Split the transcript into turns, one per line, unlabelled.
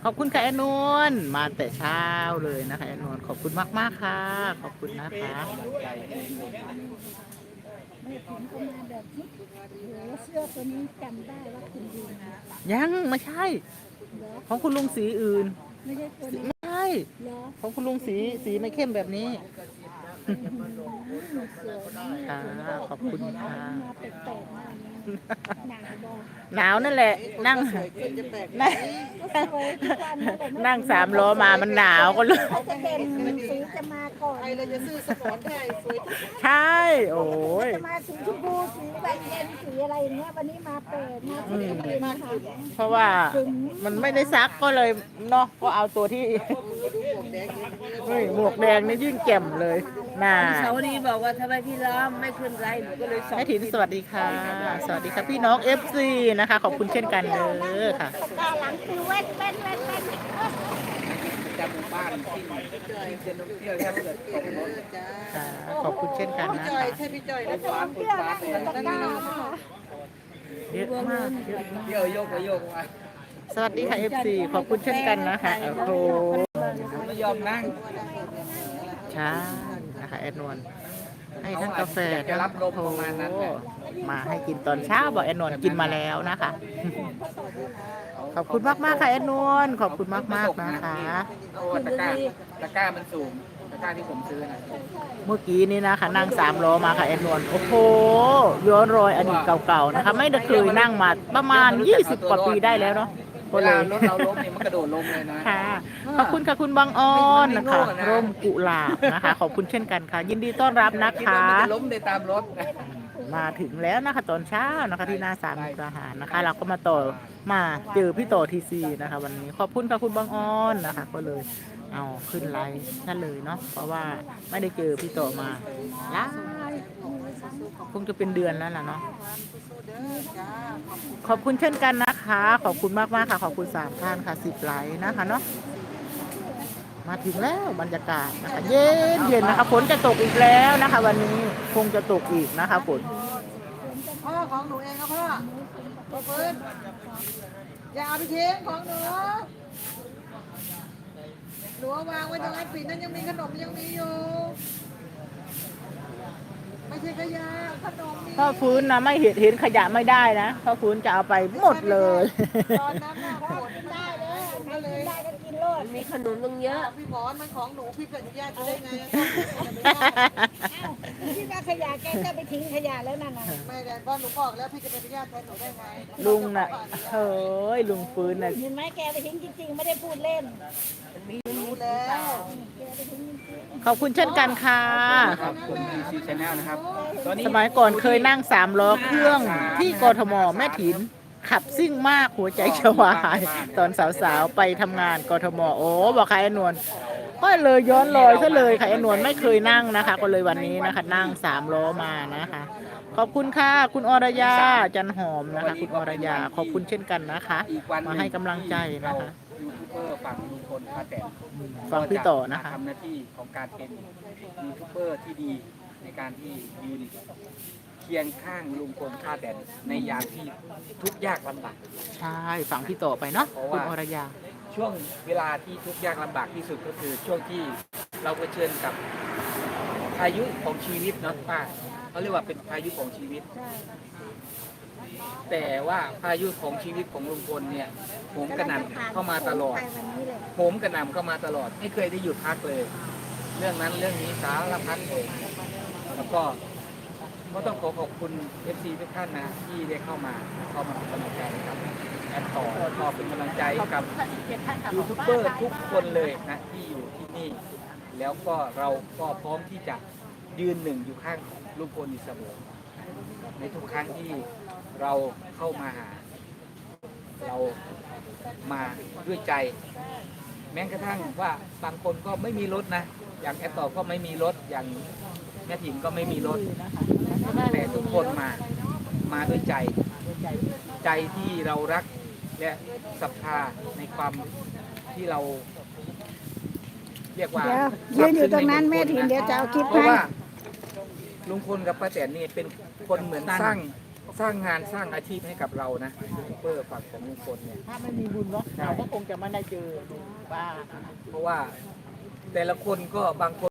ขอบคุณค่ะแอนนวลมาแต่เช้าเลยนะคะแอนนวลขอบคุณมากๆค่ะขอบคุณนะคะ
แม่ถิ่นก็มาแบบนี้โหเสื้อตัวนี้จำได้ว่าคุณดีนะ
ยังไม่ใช่
เหรอ
ของคุณลุงสีอื่น
ไม่ใช่ตัวนี้
ไม่ใช่
เหรอ
ของคุณลุงสีไม่เข้มแบบนี้
สวยมาก
ค่ะขอบคุณค่ะ
มาแปลกๆมากหนังบอก
หนาวนั่นแหละนั่งนั่ง
ก็สวยทุกวันนั่นแหละ
นั่งสามล้อมามันหนาวก็เลย
เขาจะเป็นสีจะมาก่อน
ใครเราจะซื้อสมอนได้สวยทุก
ใช่โอ้ย
จะมาสีชมพูสีแดงเย็นสีอะไรอย่างเงี้ยวันนี้มาเปิดมาสีดีนะคะ
เพราะว่ามันไม่ได้ซักก็เลยเนาะก็เอาตัวที่ เฮ้ยหมวกแดงนี่ยิ่งแจ่มเลยน่า
เสาร์นี้บอกว่าทำไมพี่ล้อมไม่ขึ้นไรหนูก็เลยสอน
แม่ถินสวัสดีค่ะ สวัสดีค่ะพี่น้อง FC นะคะขอบคุณเช่นกันเด้อค่ะ
ตาหลังคือเว้น
จำหมู่บ้านที่จะนกเที่ยวถ้าเกิดตกรถ
ค่ะขอบคุณเช่นกันนะ
จอย
คะ
ใช่พี่จอยนะ
ตาเที่ยวนั่งอยู่ตะกร้าค่ะ
เยอะมากเยอะมาก
เที่ยวโยกไปโยกมา
สวัสดีค่ะ FC ขอบคุณเช่นกันนะคะโอ้โห
ไม่ยอมนั่ง
ใช่นะคะแอดนวลให้ทั้งกาแฟ
อยากจะรับลมประมาณนั้นแหละ
มาให้กินตอนเช้าบอกแอดนวลกินมาแล้วนะคะ ขอบคุณมากมากๆค่ะแอดนวลขอบคุณมากมากๆนะคะ
โอ้ตะกร้ามันสูงตะกร้าที่ผมซื้อนะ
เมื่อกี้นี้นะคะนั่งสามล้อมาค่ะแอดนวลโอ้โหย้อนรอยอดีตเก่าๆนะคะ ไม่ได้เคยนั่งมาประมาณ20 กว่าปีได้แล้วเนาะ
เวลารถเราล้มเนี่ยมันกระโดดลงเลยนะ
ค่ะขอบคุณค่ะคุณบางอ้อนนะคะ
ไม่โง่นะ
ร่มกุหลาบนะคะ ขอบคุณเช่นกันค่ะ ยินดีต้อนรับนะ
คิด
คะ
ว่ามันจะล้มได้ตามรถนะ
มาถึงแล้วนะคะตอนเช้านะคะที่หน้าศาลมุกดาหารนะคะ เราก็มาต่อมาเจอพี่ต่อทีซีนะคะ วันนี้ขอบคุณค่ะคุณบางอ้อนนะคะ ก็เลยเอาขึ้นไลน์นั่นเลยเนาะเพราะว่าไม่ได้เจอพี่ต่อมาหลายคงจะเป็นเดือนแล้วล่ะเนาะขอบคุณเช่นกันนะคะ ขอบคุณมากมากๆค่ะขอบคุณ3 ท่านค่ะ10 ไลค์นะคะเนาะมาถึงแล้วบรรยากาศนะคะเย็นเย็นนะคะฝนจะตกอีกแล้วนะคะ วันนี้คงจะตกอีกนะคะฝน
พ่อของหนูเองครับพ่อพ่อปืนอย่าเอาไปทิ้งของหนูหนูเอาวางไว้ตรงไอ้ปิดนั้นยังมีขนมยังมีอยู่ไม่ใช่ขยะขนมมี
พ่อฟื้นนะไม่เห็นขยะไม่ได้นะพ่อฟื้นจะเอาไปหมดเลย
ตอนนั้นน่ะขนได้เลยก็เลย
ได้ก็กินโลด
มีขนมตั้งเยอะ
พี่หมอนมันของหนูพี่เป็นญาติได้ไง
ที่ว่าขยะแกจะไปทิ้งขยะแล้วนั่นน่ะ
ไม่ได้เพราะหนูบอกแล้วพี่จะเป็นญาติแทนหนูได้ไง
ลุงน่ะเฮ้ยลุงฟื้นน่ะ
เห็นไหมแกไปทิ้งจริงๆไม่ได้พูดเล่น
รู้แล้ว
ขอบคุณเช่นกันค่ะ
ขอบคุณซีชาแนลนะครับตอนนี้
สมัยก่อนเคยนั่ง3 ล้อเครื่องที่กทมแม่ถินขับซิ่งมากหัวใจจะวายตอนสาวๆไปทำงานกทมโอ้บอกใครอนวลก็เลยย้อนรอยซะเลยค่ะอนวลไม่เคยนั่งนะคะ ก็เลยวันนี้นะคะ นั่ง3 ล้อมานะคะ ขอบคุณค่ะคุณอรยาจันหอมนะคะ คุณอรยาขอบคุณเช่นกันนะคะ มาให้กำลังใจนะคะ
ยูทูบเบอร์ฝั่งลุงพลป้าแตน
ฟังพี่ต่อนะคะ
ทำหน้าที่ของการเป็นยูทูบเบอร์ที่ดีในการที่ยืนเคียงข้างลุงพลป้าแตนในยามที่ทุกข์ยากลำบาก
ใช่ฟังพี่ต่อไปเนาะคุณอรยา
ช่วงเวลาที่ทุกข์ยากลำบากที่สุดก็คือช่วงที่เราเผชิญกับพายุของชีวิตเนาะป้าเขาเรียกว่าเป็นพายุของชีวิต แต่ว่าพายุของชีวิตของลุงพลเนี่ยโหมกระหน่ำเข้ามาตลอด
ไปวันนี้เลย
โหมกระหน่ำเข้ามาตลอดไม่เคยได้หยุดพักเลย เรื่องนั้นเรื่องนี้สารพัดเลยแล้วก็ต้องขอบคุณ FC ทุกท่านนะที่ได้เข้ามาเป็นกำลังใจให้กับแอดต่อแล้วก็เป็นกำลังใจให้กับยูทูบเบอร์ทุกคนเลยนะที่อยู่ที่นี่ แล้วก็เราก็พร้อมที่จะยืนหนึ่งอยู่ข้างลุงพลอยู่เสมอในทุกครั้งที่เราเข้ามาหา เรามาด้วยใจ แม้กระทั่งว่าบางคนก็ไม่มีรถนะ อย่างแอดต่อก็ไม่มีรถอย่างแม่ถิ่นก็ไม่มีรถแต่ทุกคนมาด้วยใจ ใจที่เรารักและศรัทธาในความที่เรา เรียกว่า
เดี๋ยวยืนอยู่ตรงนั้นแม่ถิ่นเดี๋ยวจะเอาคลิป
เพราะ
ให้
ว่าลุงพลกับป้าแตนนี่เป็นคนเหมือนสร้างสร้างงานสร้างอาชีพให้กับเรานะยูทูบเบอร์ฝั่งของลุงพลเนี่ย
ถ้าไม่มีบุญเนาะเราก็คงจะไม่ได้เจอลุงป้า
เพราะว่าแต่ละคนก็บางคน